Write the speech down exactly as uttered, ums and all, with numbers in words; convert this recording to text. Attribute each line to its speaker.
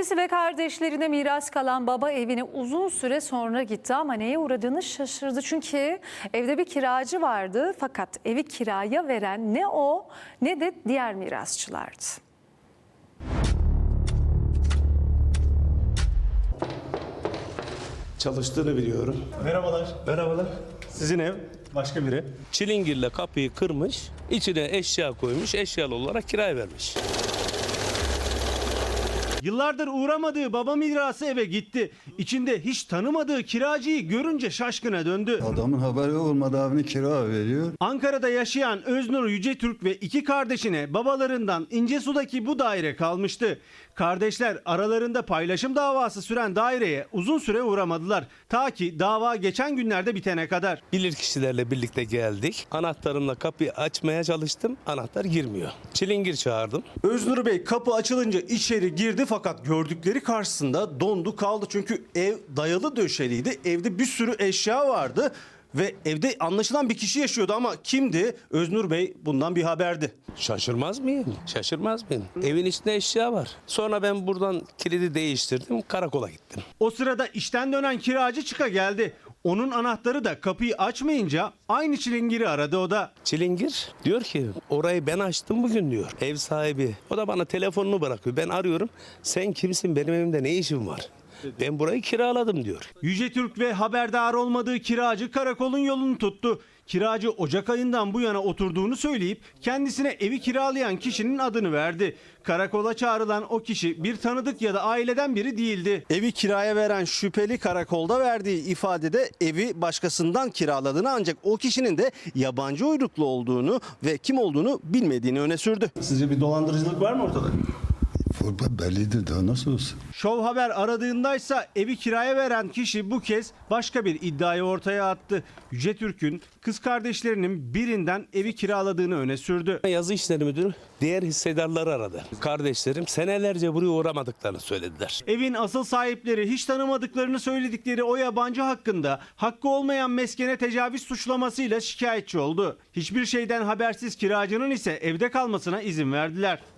Speaker 1: Annesi ve kardeşlerine miras kalan baba evine uzun süre sonra gitti ama neye uğradığını şaşırdı. Çünkü evde bir kiracı vardı fakat evi kiraya veren ne o ne de diğer mirasçılardı.
Speaker 2: Çalıştığını biliyorum.
Speaker 3: Merhabalar.
Speaker 2: Merhabalar.
Speaker 3: Sizin ev başka biri.
Speaker 4: Çilingirle kapıyı kırmış, içine eşya koymuş, eşyalı olarak kiraya vermiş.
Speaker 3: Yıllardır uğramadığı baba mirası eve gitti. İçinde hiç tanımadığı kiracıyı görünce şaşkına döndü.
Speaker 5: Adamın haberi olmadan evini kira veriyor.
Speaker 3: Ankara'da yaşayan Öznur Yücetürk ve iki kardeşine babalarından İncesu'daki bu daire kalmıştı. Kardeşler aralarında paylaşım davası süren daireye uzun süre uğramadılar. Ta ki dava geçen günlerde bitene kadar.
Speaker 4: Bilirkişilerle birlikte geldik. Anahtarımla kapıyı açmaya çalıştım. Anahtar girmiyor. Çilingir çağırdım.
Speaker 2: Öznur Bey kapı açılınca içeri girdi fakat gördükleri karşısında dondu kaldı. Çünkü ev dayalı döşeliydi. Evde bir sürü eşya vardı ve evde anlaşılan bir kişi yaşıyordu ama kimdi? Öznur Bey bundan bir haberdi.
Speaker 4: Şaşırmaz mıyım? Şaşırmaz mıyım? Evin içinde eşya var. Sonra ben buradan kilidi değiştirdim. Karakola gittim.
Speaker 3: O sırada işten dönen kiracı çıka geldi. Onun anahtarı da kapıyı açmayınca aynı çilingiri aradı o da.
Speaker 4: Çilingir diyor ki orayı ben açtım bugün diyor. Ev sahibi. O da bana telefonunu bırakıyor. Ben arıyorum. Sen kimsin? Benim evimde ne işin var? Ben burayı kiraladım diyor.
Speaker 3: Yücetürk ve haberdar olmadığı kiracı karakolun yolunu tuttu. Kiracı Ocak ayından bu yana oturduğunu söyleyip kendisine evi kiralayan kişinin adını verdi. Karakola çağrılan o kişi bir tanıdık ya da aileden biri değildi.
Speaker 2: Evi kiraya veren şüpheli karakolda verdiği ifadede evi başkasından kiraladığını ancak o kişinin de yabancı uyruklu olduğunu ve kim olduğunu bilmediğini öne sürdü.
Speaker 3: Sizce bir dolandırıcılık var mı ortada?
Speaker 5: Bellidir daha nasıl olsun?
Speaker 3: Şov Haber aradığındaysa evi kiraya veren kişi bu kez başka bir iddiayı ortaya attı. Yücetürk'ün kız kardeşlerinin birinden evi kiraladığını öne sürdü.
Speaker 4: Yazı işleri müdürü diğer hissedarları aradı. Kardeşlerim senelerce buraya uğramadıklarını söylediler.
Speaker 3: Evin asıl sahipleri hiç tanımadıklarını söyledikleri o yabancı hakkında hakkı olmayan meskene tecavüz suçlamasıyla şikayetçi oldu. Hiçbir şeyden habersiz kiracının ise evde kalmasına izin verdiler.